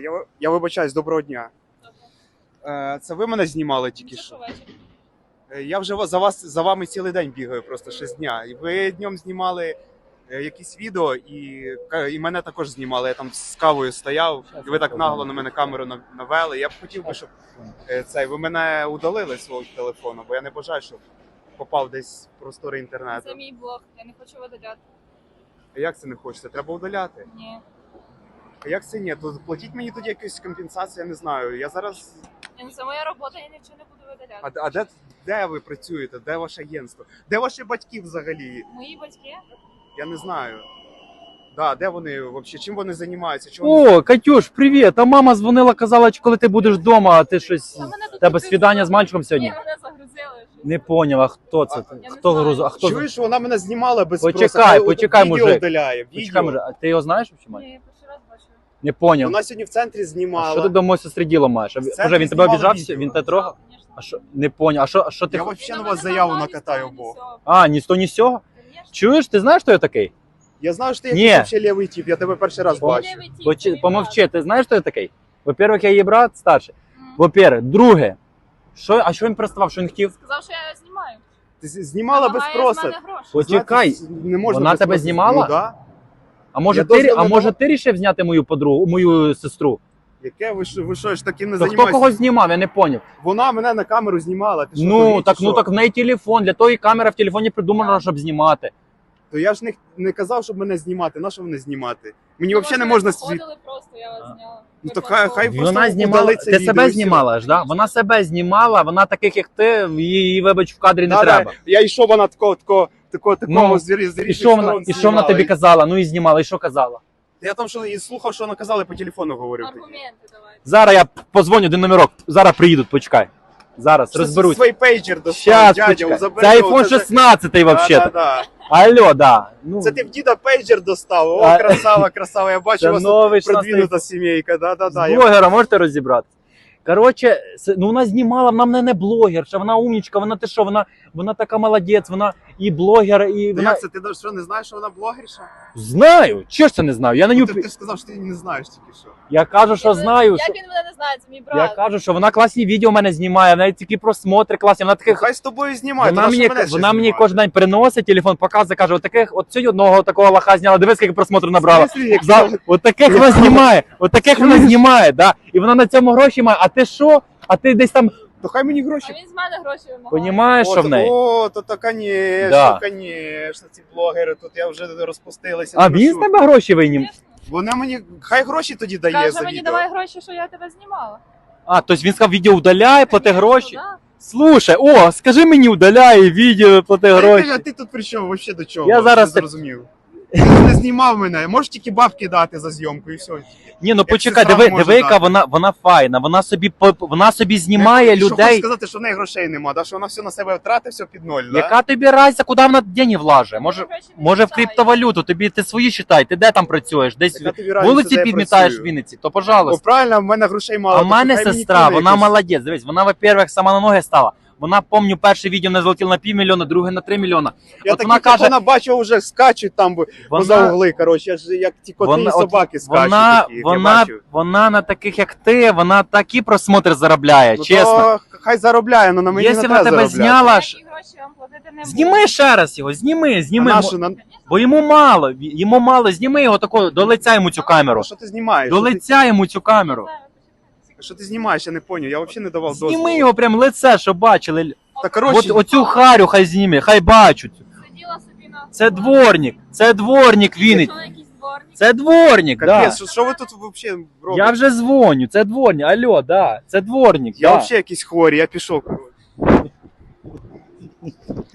Я вибачаюсь, доброго дня. Це ви мене знімали тільки що? Я вже за вами цілий день бігаю, просто ще з дня. І ви днем знімали якісь відео, і мене також знімали. Я там з кавою стояв, і ви так нагло на мене камеру навели. Я б хотів би, щоб ви мене удалили з свого телефону, бо я не бажаю, щоб попав десь в простори інтернету. Це мій блог, я не хочу видаляти. А як це не хочеться? Треба удаляти? Ні. А як це ні? То платіть мені тоді якусь компенсацію, я не знаю. Я зараз... Це моя робота, я нічого не буду видаляти. А де ви працюєте? Де ваше агентство? Де ваші батьки взагалі? Мої батьки? Я не знаю. Да, де вони взагалі? Чим вони займаються? О, Катюш, привіт! А мама дзвонила, казала, коли ти будеш вдома, а ти щось... Та мене тут Тебе підписали. свідання з мальчиком сьогодні? Ні, мене загрузили. Не поняв, а хто це? Я не Хто знаю. грузив? А хто? Чуєш, вона мене знімала без Почекай, спросу. Хай почекай, відео мужик. Вдаляє, Почекай, відео. може, а ти його знаєш? Ні, я перший раз бачу. Не поняв. Вона сьогодні в центрі А знімала. що ти до моєї сестри діло маєш? Це Може, він тебе знімали обіжав? відео. Він тебе трогав? Конечно. А що? Не поняв. А що ти... Я взагалі на вас заяву накатаю, Бог. А, ні з того, ні з цього? Чуєш, ти знаєш, хто я такий? Я знаю, що ти Ні. якийсь взагалі лівий тип, я тебе перший раз бачу. Помовчи, ти знаєш, хто я такий? Во-первых, я її брат старший. Во-первых, друге. А що він приставав, що він хотів? Сказав, що я знімаю. Ти знімала без Вимагає з спросу. мене гроші. Почекай, Знаєте, не можна вона без тебе спросу. знімала? Ну, да. А може Я ти, дозвіл не давав. ти рішив зняти мою подругу, мою сестру? Яке ви що ж таким не То хто займаєтесь? когось знімав, я не поняв. Вона мене на камеру знімала. Ти що, Ну дурний, так, чи ну що? так в неї телефон, для того і камера в телефоні придумана, щоб знімати. То я ж не казав, щоб мене знімати. На що мене знімати? Мені Ну, взагалі не ви можна приходили просто, я вас зняла. Ну, Ви то хай просто- просто Вона знімала, удали це ти відео, себе і все. знімала ж, да? Вона себе знімала, вона таких як ти, її, вибач, в кадрі не треба. Я йшов, вона такого Ну, з різних І що вона, сторон і що вона знімала. тобі казала? Ну і знімала, і що казала? Я там що і слухав, що вона казала, по телефону говорив. Аргументи давайте. Зараз я позвоню один номерок, зараз приїдуть, почекай. Зараз розберусь. Свій пейджер достав, Щас, дядя, почекай. забери Це його, iPhone 16 взагалі. Да. Алло, да. Ну, Це ти в діда пейджер достав. О, А. красава, я бачу, це у вас новий тут продвинута сімейка. Да. З блогера можете розібрати? Коротше, ну вона знімала, вона мене не блогерша, вона умнічка, вона ти що, вона така молодець, вона і блогер, і вона... Як це, ти що, не знаєш, що вона блогерша? Знаю, чого ж це не знаю? Я на нього... Ти ж сказав, що ти не знаєш тільки що. Я кажу, що знаю, Як що... він мене не знає, це мій Я брат. кажу, що вона класні відео в мене знімає, в неї такі просмотри класні, вона таких... Хай з тобою знімає, Вона то на що мені, мене ще вона мені знімати? кожен день приносить телефон, показує, каже, от сьогодні одного такого лоха зняла, дивись, скільки просмотрів набрала. В смислі, як От таких вона знімає, да. І вона на цьому гроші має, а ти що? А ти десь там, То хай мені А гроші. він з мене гроші вимагає. понімаєш, що в неї? О, то Да. конечно, ці блогери, тут я вже розпустилася. А ну він що? з тебе гроші винім? Звісно. Вона мені, хай гроші тоді дає Каже, за мені відео. давай гроші, що я тебе знімала. А, тобто він сказав, відео удаляє, плати Конечно, гроші? да. Слушай, о, скажи мені, удаляє відео, плати гроші. А ти тут при чому? Вообще до чого? Я зараз не зрозумів. Ти не знімав мене, можеш тільки бабки дати за зйомку і все. Ні, ну почекай, сестра може диви, яка дати. вона файна, вона собі знімає Що хочеш людей. сказати, що в неї грошей нема, да? Що вона все на себе втратить, все під ноль, да? Яка тобі разниця, куди вона деньги влаже? Мені гроші не Може в вистачає. криптовалюту, ти свої считай, ти де там працюєш? Десь Яка тобі разниця, вулиці де я підмітаєш в працюю? Вінниці, то О, пожалуйста. правильно, в мене грошей мало. А то в мене хай мені сестра, кине вона якось. молодець. Дивись, вона, во-первых, сама на ноги стала. Вона, помню, перше відео не залетіло на 500 000, друге на 3 мільйона. Я От таких, вона як каже- вона бачила, вже скачуть там поза угли, коротше, я ж як ті коти і собаки скачуть такі, як я бачу. Вона на таких, як ти, вона такі просмотри заробляє, Ну, чесно. то хай заробляє, але на мені Якщо не вона треба тебе заробляти. зняла, Ніякі гроші вам платити не буду. зніми ще раз його, зніми. А на що, Бо йому мало, зніми його тако, до лиця йому цю камеру. що ти знімаєш? До лиця йому цю камеру. Що ти знімаєш, я не поняв, я взагалі не давав дозволу. Зніми його прям лице, щоб бачили. Та коротше, Оцю харю хай зніме, хай бачать. Сиділа собі на... Це дворник Вінниць. Що, якийсь дворник? Це дворник, да. капець, що ви тут взагалі робите? Я вже дзвоню, це дворник. Алло, да, це дворник. Я да. взагалі якийсь хворий, я пішов, коротше.